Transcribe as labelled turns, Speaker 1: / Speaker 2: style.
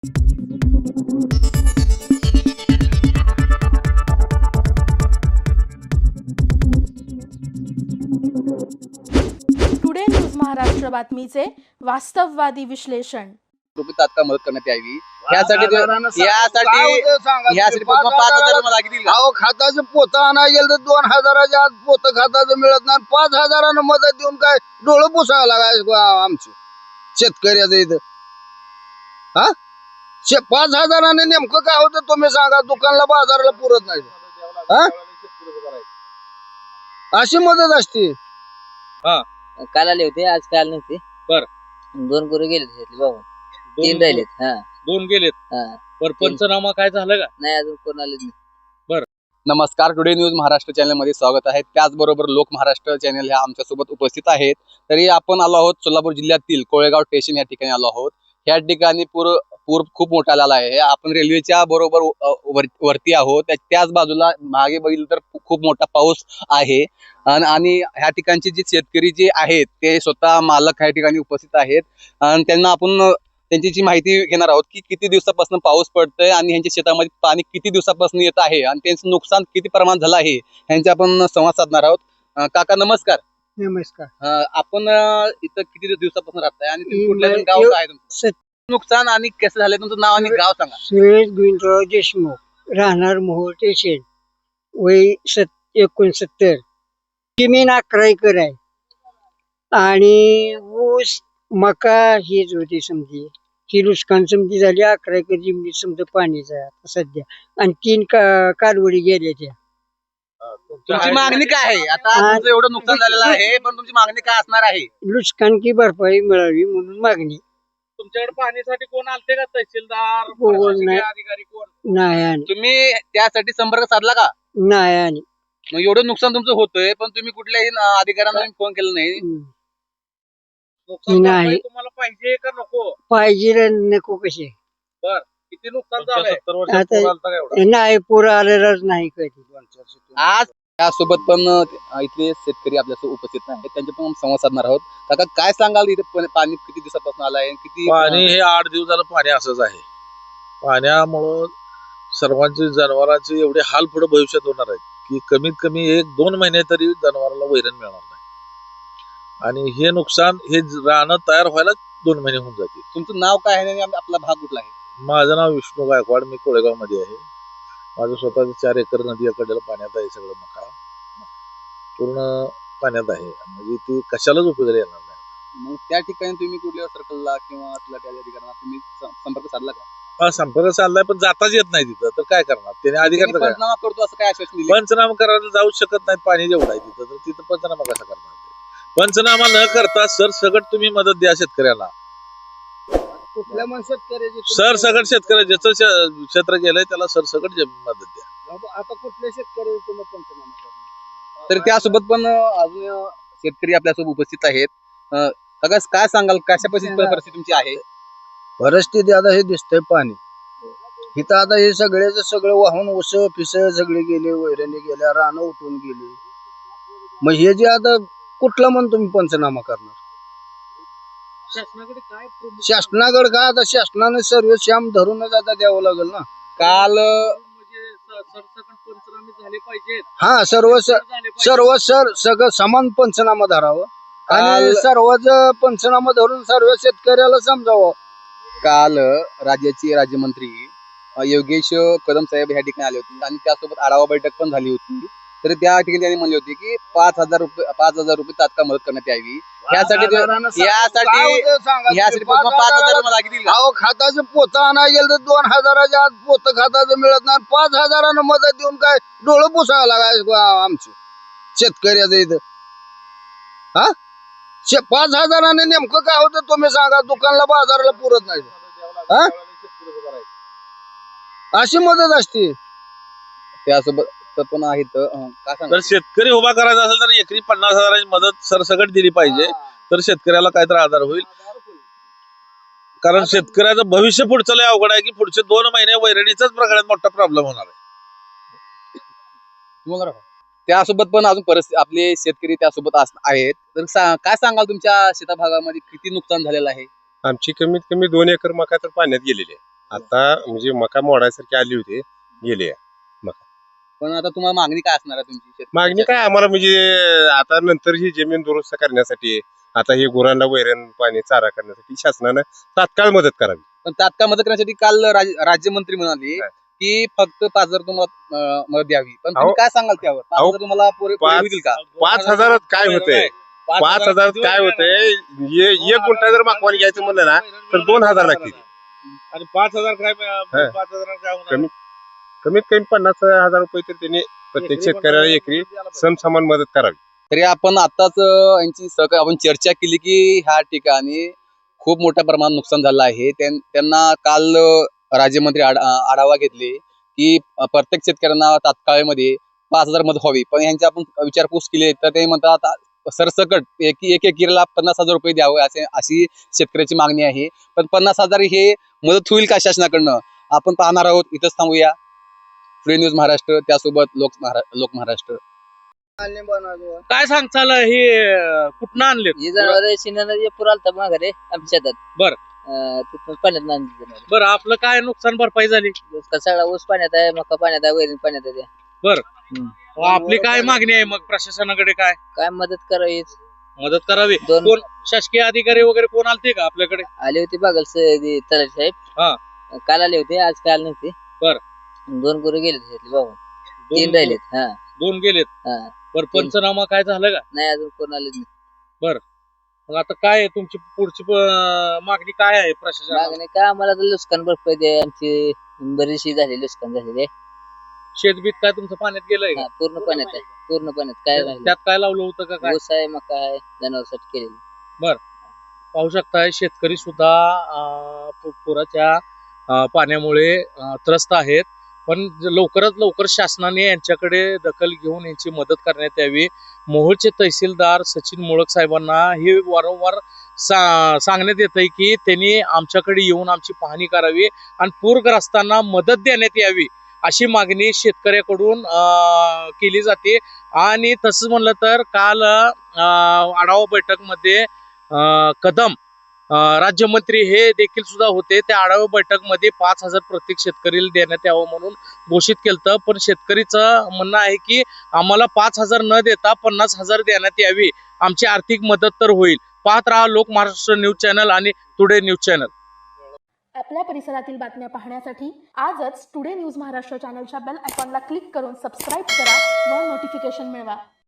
Speaker 1: Today news Maharashtra बातमीचे वास्तववादी विश्लेषण.
Speaker 2: रुपये तात्काळ मदत करण्यात यावी यासाठी 5,000 मला लागतील.
Speaker 3: खाताचं पोतं आणायला गेलं तर 2,000च्या आत पोतं खाताचं मिळत नाही. 5,000 मदत देऊन काय डोळं पुसावं लागायचं आमचं शेतकऱ्याचं इथं. 5,000 नेमकं काय होतं तुम्ही सांगा. दुकानला बाजारला पुरत नाही. अशी मदत असते.
Speaker 4: काल आले होते, आज काल नव्हते.
Speaker 2: बर.
Speaker 4: 2 गुरु गेले बाबा, 3 राहिलेत.
Speaker 2: 2 गेलेत. पंचनामा काय झालं का?
Speaker 4: नाही अजून कोण आले नाही.
Speaker 2: नमस्कार, टुडे न्यूज महाराष्ट्र चॅनल मध्ये स्वागत आहे. त्याचबरोबर लोक महाराष्ट्र चॅनल ह्या आमच्या सोबत उपस्थित आहेत. तरी आपण आलो आहोत सोलापूर जिल्ह्यातील कोळेगाव स्टेशन या ठिकाणी आलो आहोत. ह्या ठिकाणी पूर खूप मोठा आलेला आहे. आपण रेल्वेच्या बरोबर वरती आहोत. त्याच बाजूला मागे बघितलं तर खूप मोठा पाऊस आहे. आणि ह्या ठिकाणचे जे शेतकरी जे आहेत ते स्वतः मालक ह्या ठिकाणी उपस्थित आहेत. आणि त्यांना आपण त्यांची माहिती घेणार आहोत की किती दिवसापासून पाऊस पडतोय आणि ह्यांच्या शेतामध्ये पाणी किती दिवसापासून येत आहे आणि त्यांचं नुकसान किती प्रमाणात झालं आहे ह्यांच्या आपण संवाद साधणार आहोत. काका नमस्कार.
Speaker 3: नमस्कार.
Speaker 2: आपण इथं किती दिवसापासून राहताय आणि तुम्ही कुठल्या गाव आहे तुमचं? नुकसान आणि कसं झालंय तुमचं नाव आणि गाव सांगा.
Speaker 5: सुरेश गोविंदराव देशमुख, राहणार मोहोळ स्टेशन, वय 69. जमीन 11 एकर आहे आणि ऊस मका हीच होती समजी. ही नुकसान समजी झाली. 11 एकर जमिनीत समजा पाणीच आहे आता सध्या आणि 3 कालवडी गेल्या त्या.
Speaker 2: तुमची मागणी काय आहे? आता तुमचं एवढं नुकसान झालेलं आहे पण तुमची मागणी काय असणार आहे?
Speaker 5: नुकसान की भरपाई मिळावी म्हणून मागणी.
Speaker 2: तुमच्याकडे पाहणीसाठी कोण आलते का? तहसीलदार,
Speaker 5: कोण नाही.
Speaker 2: अधिकारी कोण
Speaker 5: नाही आणि
Speaker 2: तुम्ही त्यासाठी संपर्क साधला का?
Speaker 5: नाही आणि
Speaker 2: मग एवढं नुकसान तुमचं होतंय पण तुम्ही कुठल्याही अधिकाऱ्यांना फोन केला नाही?
Speaker 5: नाही.
Speaker 2: तुम्हाला पाहिजे का नको?
Speaker 5: पाहिजे नको कसे.
Speaker 2: किती नुकसान झालंय?
Speaker 5: आता नाही पूर आलेलाच नाही कधी.
Speaker 2: आज त्यासोबत पण इथले शेतकरी आपल्यासोबत उपस्थित आहेत. त्यांचे पण संवाद साधणार आहोत. काका काय सांगाल इथे पाणी किती दिवसापासून आलंय? किती
Speaker 6: पाणी हे 8 दिवस झालं पाणी असंच आहे. पाण्यामुळं सर्वांचे जनावरांचे एवढे हाल पुढे भविष्यात होणार आहेत की कमीत कमी 1-2 महिने तरी जनावरांना वैरण मिळणार नाही. आणि हे नुकसान हे रानं तयार व्हायला 2 महिने होऊन जातील.
Speaker 2: तुमचं नाव काय आहे आणि आपला भाग कुठला आहे?
Speaker 6: माझं नाव विष्णू गायकवाड. मी कोळेगाव मध्ये आहे. माझं स्वतःचं 4 एकर नदी अकडलं पाण्यात आहे. सगळं मका पूर्ण पाण्यात आहे. म्हणजे ती कशालाच उपयोगाला येणार नाही.
Speaker 2: मग त्या ठिकाणी तुम्ही कुठल्या सर्कलला किंवा त्या अधिकाऱ्यांना तुम्ही संपर्क साधला का?
Speaker 6: संपर्क चाललाय पण जाताच येत नाही तिथं. तर काय करणार त्याने? अधिकारी
Speaker 2: पंचनामा करतो असं काय आश्वासन दिलं?
Speaker 6: पंचनामा करायला जाऊ शकत नाही. पाणी जेवढं आहे तिथं तर तिथं पंचनामा कसा करणार? पंचनामा न करता सरसकट तुम्ही मदत द्या शेतकऱ्याला.
Speaker 3: कुठल्या मन शेतकऱ्याची
Speaker 6: सरसकट शेतकऱ्या ज्याचं क्षेत्र गेलंय त्याला सरसकट मदत द्या.
Speaker 3: आता कुठल्या शेतकऱ्याची तुम्ही पंचनामा करणार?
Speaker 2: तर त्यासोबत पण अजून शेतकरी आपल्यासोबत उपस्थित आहेत. काका काय सांगाल कशा परिस्थिती तुमची आहे?
Speaker 3: परिस्थिती आता हे दिसतंय पाणी इथं. आता हे सगळं वाहून ऊस पिस सगळे गेले, वैरणी गेल्या, रानं उठून गेली. मग हे जे आता कुठला म्हण तुम्ही पंचनामा करणार? शासनाकडे काय आता शासनाने सर्व श्याम धरूनच आता द्यावं लागेल ना.
Speaker 2: काल
Speaker 3: सर्व सगळं समान पंचनामा धरावं आणि सर्वच पंचनामा धरून सर्व शेतकऱ्याला समजावं.
Speaker 2: काल राज्याचे राज्यमंत्री योगेश कदम साहेब ह्या ठिकाणी आले होते आणि त्यासोबत आढावा बैठक पण झाली होती. तर त्या ठिकाणी त्यांनी म्हणले होते की 5,000 रुपये तात्काळ मदत करण्यात यावी. यासाठी 5,000 मला लागतील.
Speaker 3: खाताचं पोतं आणायला गेलं तर 2,000च्या आत पोतं खाताचं मिळत नाही. 5,000 मदत देऊन काय डोळं पुसावं लागायचं आमचं शेतकऱ्याचं इथं. 5,000 नेमकं काय होतं तुम्ही सांगा. दुकानला बाजारला पुरत नाही. अशी मदत असते.
Speaker 2: त्यासोबत पण आहेत काय सांगा?
Speaker 6: तर शेतकरी उभा करायचा असेल तर एकरी 50,000ची मदत सरसकट दिली पाहिजे. तर शेतकऱ्याला काहीतरी आधार होईल. कारण शेतकऱ्याचं भविष्य पुढचं लय अवघड आहे की पुढचे 2 महिने वैरणीचाच प्रकारात मोठा प्रॉब्लेम होणार आहे.
Speaker 2: त्यासोबत पण अजून परिस्थिती आपले शेतकरी त्यासोबत आहेत. तर काय सांगाल तुमच्या शेता भागामध्ये किती नुकसान झालेलं आहे?
Speaker 7: आमची कमीत कमी 2 एकर मका तर पाण्यात गेलेली आहे. आता म्हणजे मका मोडायसारखी आली होती, गेली.
Speaker 2: पण आता तुम्हाला मागणी काय असणार आहे तुमची
Speaker 7: मागणी काय आम्हाला म्हणजे आता नंतर ही जमीन दुरुस्त करण्यासाठी, आता हे गुरांना वैरण पाणी चारा करण्यासाठी शासनानं तात्काळ मदत करावी.
Speaker 2: पण तात्काळ मदत करण्यासाठी काल राज्यमंत्री म्हणाले
Speaker 7: काय?
Speaker 2: की फक्त 5,000 तुम्हाला मदत द्यावी. पण तुम्ही
Speaker 7: अहो,
Speaker 2: काय सांगाल त्यावर? 5,000 तुम्हाला पुरे होतील का?
Speaker 7: 5,000 काय होतंय? 5,000 काय होतंय? एक गुंठा जर मागवान घ्यायचं म्हणलं ना तर 2,000 लागतील.
Speaker 6: आणि 5,000 काय
Speaker 7: हा.
Speaker 6: 5,000 काय होणार?
Speaker 7: कमीत कमी 50,000 रुपये तर त्यांनी प्रत्येक शेतकऱ्याला एकरी समसमान मदत करावी.
Speaker 2: तरी आपण आताच यांची आपण चर्चा केली की ह्या ठिकाणी खूप मोठ्या प्रमाणात नुकसान झालं आहे. त्यांना काल राज्यमंत्री आढावा घेतले की प्रत्येक शेतकऱ्यांना तात्काळमध्ये 5,000 मदत व्हावी. पण यांची आपण विचारपूस केली तर ते म्हणतात सरसकट एक एकरीला 50,000 रुपये द्यावे अशी शेतकऱ्याची मागणी आहे. पण 50,000 हे मदत होईल का शासनाकडनं? आपण पाहणार आहोत. इथंच थांबूया. टुडे न्यूज महाराष्ट्र, त्यासोबत लोक महाराष्ट्र.
Speaker 6: काय सांगताल हे कुठनं आणले?
Speaker 4: ही जनावर शिंगाला पूर आलता माघारे आमच्या शेतात.
Speaker 6: बर.
Speaker 4: तिथून पाण्यात आणली जनावर.
Speaker 6: बरं, आपलं काय नुकसान भरपाई झाली?
Speaker 4: सगळा ऊस पाण्यात आहे, मका पाण्यात आहे, वैरण पाण्यात आहे.
Speaker 6: आपली काय मागणी आहे मग प्रशासनाकडे? काय
Speaker 4: मदत करावी.
Speaker 6: मदत करावी?
Speaker 4: दोन-
Speaker 6: कोण शासकीय अधिकारी वगैरे कोण आलते का आपल्याकडे?
Speaker 4: आले होते बागल तलाठी
Speaker 6: हा.
Speaker 4: साहेब. काल आले होते, आज काल नव्हते.
Speaker 6: बर.
Speaker 4: 2 गुरु गेले बाबा. 3 राहिलेत. हा
Speaker 6: 2 गेलेत.
Speaker 4: हा.
Speaker 6: बरं, पंचनामा काय झालं का?
Speaker 4: नाही अजून कोण आले नाही.
Speaker 6: मग आता काय आहे तुमची पुढची मागणी काय आहे प्रशासनाला?
Speaker 4: मागणी काय आम्हाला तर नुकसान भरपाई द्या. आमची बरीचशी झाली नुकसान झालेली.
Speaker 6: शेतबीत काय तुमचं पाण्यात गेलंय का?
Speaker 4: पूर्ण पाण्यात आहे. पूर्ण पाण्यात काय राहिलं?
Speaker 6: त्यात काय लावलं होतं का काय?
Speaker 4: ऊस आहे, मका आहे, जनावरसाठी केलेली.
Speaker 6: पाहू शकताय शेतकरी सुद्धा पुराच्या पाण्यामुळे त्रस्त आहेत. पण लवकरात लवकर शासनाने यांच्याकडे दखल घेऊन यांची मदत करण्यात यावी. मोहोळचे तहसीलदार सचिन मोळक साहेबांना हे वारंवार सांगण्यात येतंय की त्यांनी आमच्याकडे येऊन आमची पाहणी करावी आणि पूरग्रस्तांना मदत देण्यात यावी अशी मागणी शेतकऱ्याकडून केली जाते. आणि तसंच म्हणलं तर काल आढावा बैठकमध्ये कदम राज्यमंत्री हे देखील सुद्धा होते. त्या आढावा बैठकमध्ये 5,000 प्रत्येक शेतकरीला देण्यात यावं म्हणून घोषित केलं. पण शेतकरीचं म्हणणं आहे की आम्हाला 5,000 न देता 50,000 देण्यात यावी. आमची आर्थिक मदत तर होईल. पाहत राहा लोक महाराष्ट्र न्यूज चॅनल आणि टुडे न्यूज चॅनल.
Speaker 1: आपल्या परिसरातील बातम्या पाहण्यासाठी आजच टुडे न्यूज महाराष्ट्र चॅनलच्या बेल आयकॉनला क्लिक करून सबस्क्राईब करा व नोटिफिकेशन मिळवा.